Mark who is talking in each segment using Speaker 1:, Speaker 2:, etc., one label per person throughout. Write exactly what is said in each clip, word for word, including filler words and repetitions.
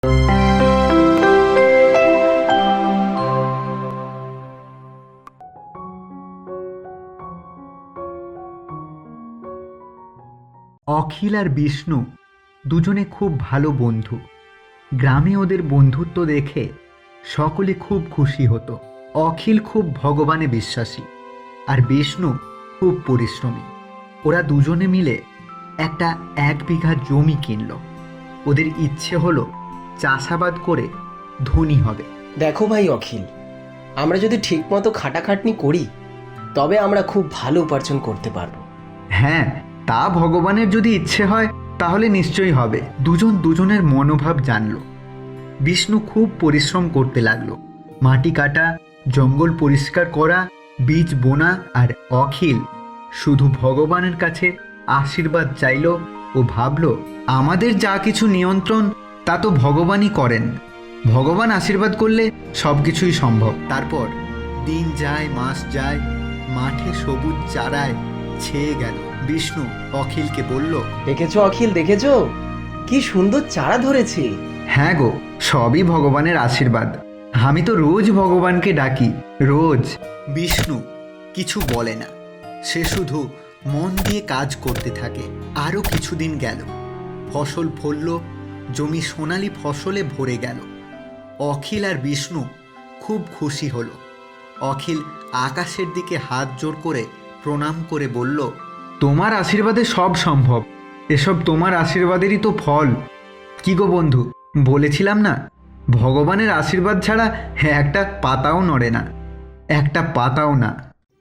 Speaker 1: অখিল আর বিষ্ণু দুজনে খুব ভালো বন্ধু। গ্রামে ওদের বন্ধুত্ব দেখে সকলে খুব খুশি হতো। অখিল খুব ভগবানে বিশ্বাসী আর বিষ্ণু খুব পরিশ্রমী। ওরা দুজনে মিলে একটা এক বিঘা জমি কিনল। ওদের ইচ্ছে হলো চাষাবাদ করে ধনী হবে।
Speaker 2: দেখো ভাই অখিল, আমরা যদি ঠিকমতো খাটাখাটনি করি তবে আমরা খুব ভালো উপার্জন করতে পারবো।
Speaker 1: হ্যাঁ, তা ভগবানের যদি ইচ্ছে হয় তাহলে নিশ্চয়ই হবে। দুজন দুজনের মনোভাব জানল। বিষ্ণু খুব পরিশ্রম করতে লাগলো, মাটি কাটা, জঙ্গল পরিষ্কার করা, বীজ বোনা। আর অখিল শুধু ভগবানের কাছে আশীর্বাদ চাইল ও ভাবল, আমাদের যা কিছু নিয়ন্ত্রণ তা তো ভগবানই করেন। ভগবান আশীর্বাদ করলে সব কিছুই সম্ভব। তারপর দিন যায়, মাস যায়, মাঠে সবুজ চারায় ছেয়ে গেল। বিষ্ণু অখিলকে বলল,
Speaker 2: দেখেছো অখিল, দেখেছো কি সুন্দর চারা ধরেছে।
Speaker 1: হ্যাঁ গো, সবই ভগবানের আশীর্বাদ। আমি তো রোজ ভগবানকে ডাকি, রোজ। বিষ্ণু কিছু বলে না, সে শুধু মন দিয়ে কাজ করতে থাকে। আরও কিছুদিন গেল, ফসল ফলল, জমি সোনালি ফসলে ভরে গেল। অখিল আর বিষ্ণু খুব খুশি হলো। অখিল আকাশের দিকে হাত জোড় করে প্রণাম করে বলল, তোমার আশীর্বাদে সব সম্ভব। এসব তোমার আশীর্বাদেরই তো ফল। কি গো বন্ধু, বলেছিলাম না, ভগবানের আশীর্বাদ ছাড়া একটা পাতাও নড়ে না, একটা পাতাও না।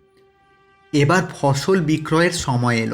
Speaker 1: এবার ফসল বিক্রয়ের সময় এলো।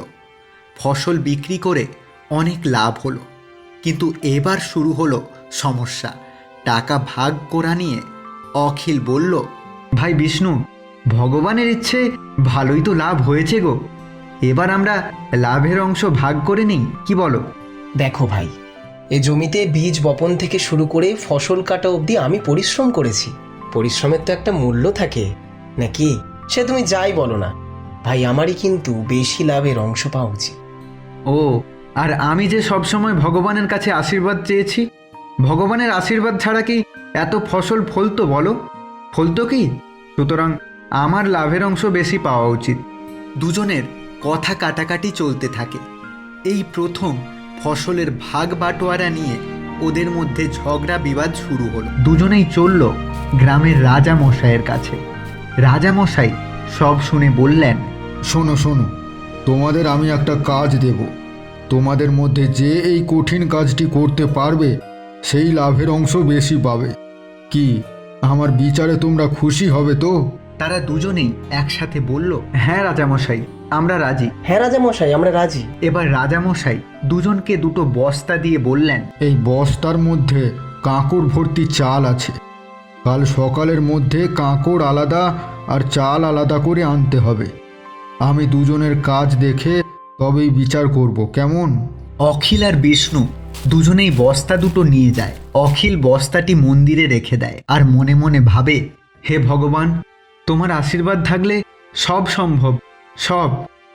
Speaker 1: ফসল বিক্রি করে অনেক লাভ হলো, কিন্তু এবার শুরু হলো সমস্যা। টাকা ভাগ করা নিয়ে অখিল বলল, ভাই বিষ্ণু, ভগবানের ইচ্ছে ভালোই তো লাভ হয়েছে গো। এবার আমরা লাভের অংশ ভাগ করে নিই, কি বলো?
Speaker 2: দেখো ভাই, এই জমিতে বীজ বপন থেকে শুরু করে ফসল কাটা অবধি আমি পরিশ্রম করেছি। পরিশ্রমের তো একটা মূল্য থাকে নাকি? সে তুমি যাই বলো না ভাই, আমারই কিন্তু বেশি লাভের অংশ পাওয়া উচিত।
Speaker 1: ও, আর আমি যে সবসময় ভগবানের কাছে আশীর্বাদ চেয়েছি, ভগবানের আশীর্বাদ ছাড়া কি এত ফসল ফলতো বলো? ফলতো কি? সুতরাং আমার লাভের অংশ বেশি পাওয়া উচিত। দুজনের কথা কাটাকাটি চলতে থাকে। এই প্রথম ফসলের ভাগ বাটোয়ারা নিয়ে ওদের মধ্যে ঝগড়া বিবাদ শুরু হলো। দুজনেই চলল গ্রামের রাজা মশাইয়ের কাছে। রাজা মশাই সব শুনে বললেন,
Speaker 3: শোনো শোনো, তোমাদের আমি একটা কাজ দেব। তোমাদের মধ্যে যে এই কঠিন কাজটি করতে পারবে সেই লাভের অংশ বেশি পাবে। কি আমার বিচারে তোমরা খুশি হবে তো?
Speaker 1: তারা দুজনেই একসাথে বলল, হ্যাঁ রাজামশাই, আমরা রাজি।
Speaker 2: হ্যাঁ রাজা মশাই, আমরা রাজি।
Speaker 1: এবার রাজামশাই দুজনকে দুটো বস্তা দিয়ে বললেন,
Speaker 3: এই বস্তার মধ্যে কাঁকড় ভর্তি চাল আছে। কাল সকালের মধ্যে কাঁকড় আলাদা আর চাল আলাদা করে আনতে হবে। আমি দুজনের কাজ দেখে তবেই বিচার করব, কেমন?
Speaker 1: অখিল আর বিষ্ণু দুজনেই বস্তা দুটো নিয়ে যায়। অখিল বস্তাটি মন্দিরে রেখে দেয় আর মনে মনে ভাবে, হে ভগবান, তোমার আশীর্বাদ থাকলে সব সম্ভব, সব।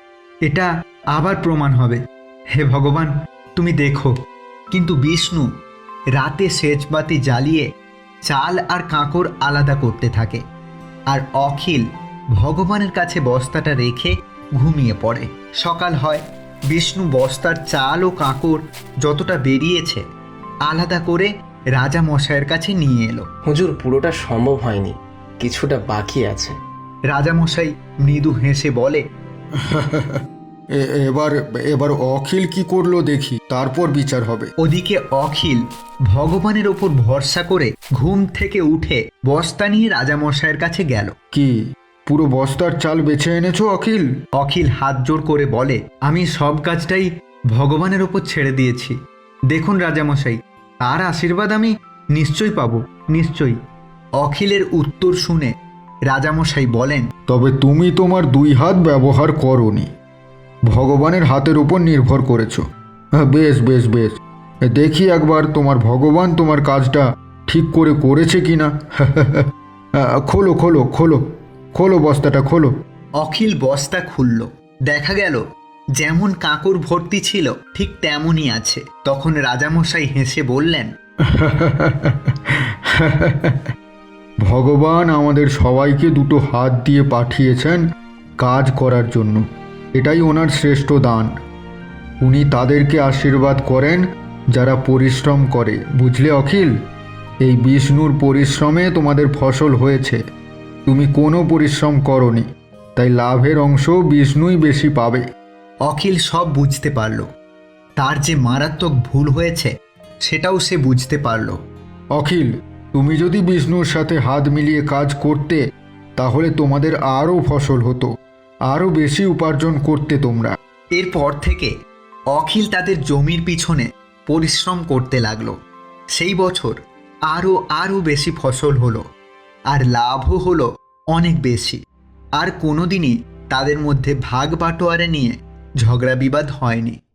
Speaker 1: এটা আবার প্রমাণ হবে। হে ভগবান, তুমি দেখো। কিন্তু বিষ্ণু রাতে সেচবাতি জ্বালিয়ে চাল আর কাঁকড় আলাদা করতে থাকে, আর অখিল ভগবানের কাছে বস্তাটা রেখে ঘুমিয়ে পড়ে। সকাল হয়, বিষ্ণু বস্তার চাল ও কাঁকড় যতটা বেরিয়েছে আলাদা করে রাজা মশাইয়ের কাছে নিয়ে এলো।
Speaker 2: হুজুর, পুরোটা সম্ভব হয়নি, কিছুটা বাকি আছে।
Speaker 1: রাজামশাই মৃদু হেসে বলে,
Speaker 3: এ- এবার এবার অখিল কি করলো দেখি, তারপর বিচার হবে।
Speaker 1: ওদিকে অখিল ভগবানের ওপর ভরসা করে ঘুম থেকে উঠে বস্তা নিয়ে রাজামশাইয়ের কাছে গেল।
Speaker 3: কি পুরো বস্তার চাল বেছে এনেছো অখিল?
Speaker 1: অখিল হাত জোড় করে বলে, আমি সব কাজটাই ভগবানের ওপর ছেড়ে দিয়েছি। দেখুন রাজামশাই, তার আশীর্বাদ আমি নিশ্চয়ই পাবো, নিশ্চয়ই। অখিলের উত্তর শুনে রাজামশাই বলেন,
Speaker 3: তবে তুমি তোমার দুই হাত ব্যবহার করোনি, ভগবানের হাতের উপর নির্ভর করেছো। হ্যাঁ, বেশ বেশ বেশ, দেখি একবার তোমার ভগবান তোমার কাজটা ঠিক করে করেছে কিনা। খোলো খোলো খোলো খোলো বস্তাটা খোলো।
Speaker 1: অখিল বস্তা খুলল। দেখা গেল যেমন কাঁকড় ভর্তি ছিল ঠিক তেমনই আছে। তখন রাজামশাই হেসে বললেন,
Speaker 3: ভগবান আমাদের সবাইকে দুটো হাত দিয়ে পাঠিয়েছেন কাজ করার জন্য। এটাই ওনার শ্রেষ্ঠ দান। উনি তাদেরকে আশীর্বাদ করেন যারা পরিশ্রম করে। বুঝলে অখিল, এই বিষ্ণুর পরিশ্রমে তোমাদের ফসল হয়েছে। তুমি কোনো পরিশ্রম করনি, তাই লাভের অংশ বিষ্ণুই বেশি পাবে।
Speaker 1: অখিল সব বুঝতে পারল। তার যে মারাত্মক ভুল হয়েছে সেটাও সে বুঝতে পারল।
Speaker 3: অখিল, তুমি যদি বিষ্ণুর সাথে হাত মিলিয়ে কাজ করতে তাহলে তোমাদের আরও ফসল হতো, আরও বেশি উপার্জন করতে তোমরা।
Speaker 1: এরপর থেকে অখিল তাদের জমির পিছনে পরিশ্রম করতে লাগলো। সেই বছর আরও আরও বেশি ফসল হলো, আর লাভও হলো অনেক বেশি। আর কোনোদিনই তাদের মধ্যে ভাগ বাটোয়ারা নিয়ে ঝগড়া বিবাদ হয়নি।